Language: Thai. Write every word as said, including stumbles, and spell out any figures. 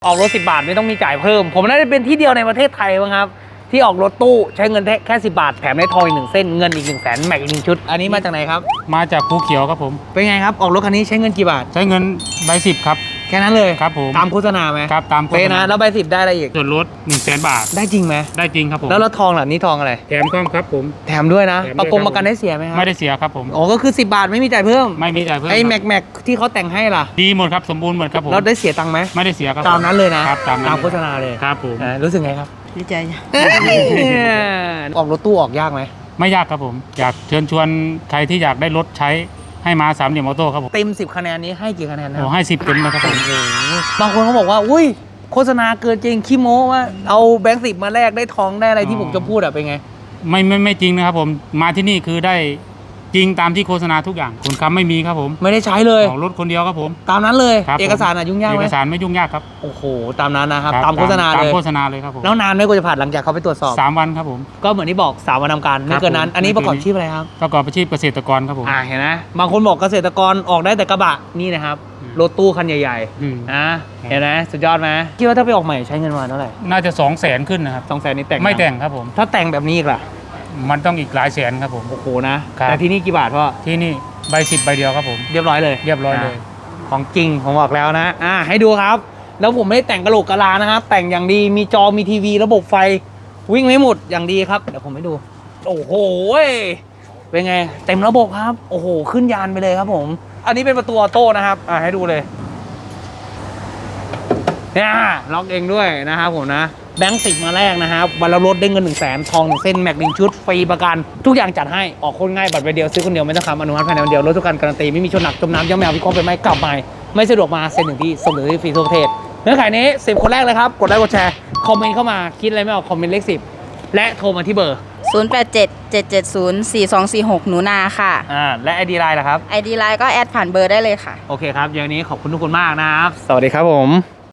ออกรถสิบบาทไม่ต้องมีจ่ายเพิ่มผมน่าจะเป็นที่เดียวในประเทศไทยมั้งครับที่ออกรถตู้ใช้เงินแค่สิบบาทแถมได้ทองอีกหนึ่งเส้นเงินอีกหนึ่งแสนแม็กอีกหนึ่งชุดอันนี้มาจากไหนครับมาจากภูเขียวครับผมเป็นไงครับออกรถคันนี้ใช้เงินกี่บาทใช้เงินใบสิบครับแค่นั้นเลยครับผมตามโฆษณาไหมครับตามโฆษณาเป๊ะนะแล้วใบสิบได้อะไรอีกส่วนลดหนึ่งแสนบาทได้จริงไหมได้จริงครับผมแล้วรถทองล่ะนี่ทองอะไรแถมข้อมครับผมแถมด้วยนะประกงประกันได้เสียไหมครับไม่ได้เสียครับผมอ๋อก็คือสิบบาทไม่มีจ่ายเพิ่มไม่มีจ่ายเพิ่มไอ้แม็กแม็กที่เขาแต่งให้ล่ะดีหมดครับสมบูรณ์หมดครับผมเราได้เสียตังค์ไหมไม่ได้เสียครับตามนั้นเลยนะครับตามตามโฆษณาเลยครับผมรู้สึกไงครับดีใจออกรถตู้ออกยากไหมไม่ยากครับผมอยากเชิญชวนใครที่อยากได้รถใช้ให้มาสามเหลี่ยมออโต้ครับผมเต็มสิบคะแนนนี้ให้กี่คะแนนนะโอ้ให้สิบเต็มนะครับผมบางคนเขาบอกว่าอุ้ยโฆษณาเกินจริงขี้โม้ว่าเอาแบงค์สิบมาแลกได้ทองได้อะไรที่ผมจะพูดอะเป็นไงไม่ไม่ไม่จริงนะครับผมมาที่นี่คือได้จริงตามที่โฆษณาทุกอย่างคนค้ำไม่มีครับผมไม่ได้ใช้เลยออกรถคนเดียวครับผมตามนั้นเลยเอกสารอะยุ่งยากไหมเอกสารไม่ยุ่งยากครับโอ้โหตามนั้นนะครับตามโฆษณาเลยตามโฆษณาเลยครับผมแล้วนานไหมกว่าจะผ่านหลังจากเขาไปตรวจสอบสามวันครับผมก็เหมือนที่บอกสามวันทำการไม่เกินนั้นอันนี้ประกอบอาชีพอะไรครับประกอบอาชีพเกษตรกรครับผมอ่าเห็นไหมบางคนบอกเกษตรกรออกได้แต่กระบะนี่นะครับรถตู้คันใหญ่ๆนะเห็นไหมสุดยอดไหมคิดว่าถ้าไปออกใหม่ใช้เงินมาเท่าไหร่น่าจะสองแสนขึ้นนะครับสองแสนนี่แต่งไม่แต่งครับผมถ้าแต่งแบบนี้อีกล่ะมันต้องอีกหลายแสนครับผมโอ้โหนะแต่ที่นี่กี่บาทพ่อที่นี่ใบสิบใบเดียวครับผมเรียบร้อยเลยเรียบร้อยเลยของจริงผมบอกแล้วนะอ่าให้ดูครับแล้วผมไม่ได้แต่งกระโหลกกะลานะครับแต่งอย่างดีมีจอมีทีวีระบบไฟวิ่งไม่หมดอย่างดีครับเดี๋ยวผมให้ดูโอ้โหเป็นไงเต็มระบบครับโอ้โหขึ้นยานไปเลยครับผมอันนี้เป็นประตูออโต้นะครับอ่าให้ดูเลยเนี่ยล็อกเองด้วยนะครับผมนะแบงค์สิบมาแรกนะครับวันละรถได้เงินหนึ่งแสนทองหนึ่งเส้นแม็กหนึ่งชุดฟรีประกันทุกอย่างจัดให้ออกคนง่ายบัตรใบเดียวซื้อคนเดียวไม่ต้องคำอนุมัติภายในวันเดียวรถทุกการการันตีไม่มีชนหนักจมน้ำย่ำแมวพิเคราะห์ไปไหมกลับมาไม่สะดวกมาเซ็นถึงที่ส่งถึงที่ฟรีทั่วประเทศเนื้อขายนี้สิบคนแรกเลยครับกดไลค์กดแชร์คอมเมนต์เข้ามาคิดอะไรไม่ออกคอมเมนต์เลขสิบและโทรมาที่เบอร์ศูนย์ แปด เจ็ด เจ็ด เจ็ด ศูนย์ สี่ สอง สี่ หกหนูนาค่ะอ่าและไอดีไลน์ล่ะครับไอดีไลน์ก็แอดผ่านเบอร์ได้เลยค่ะโอเคครับอย่างนี้ขอบคุณทุกคนมากนะครับสวัสดีครับผม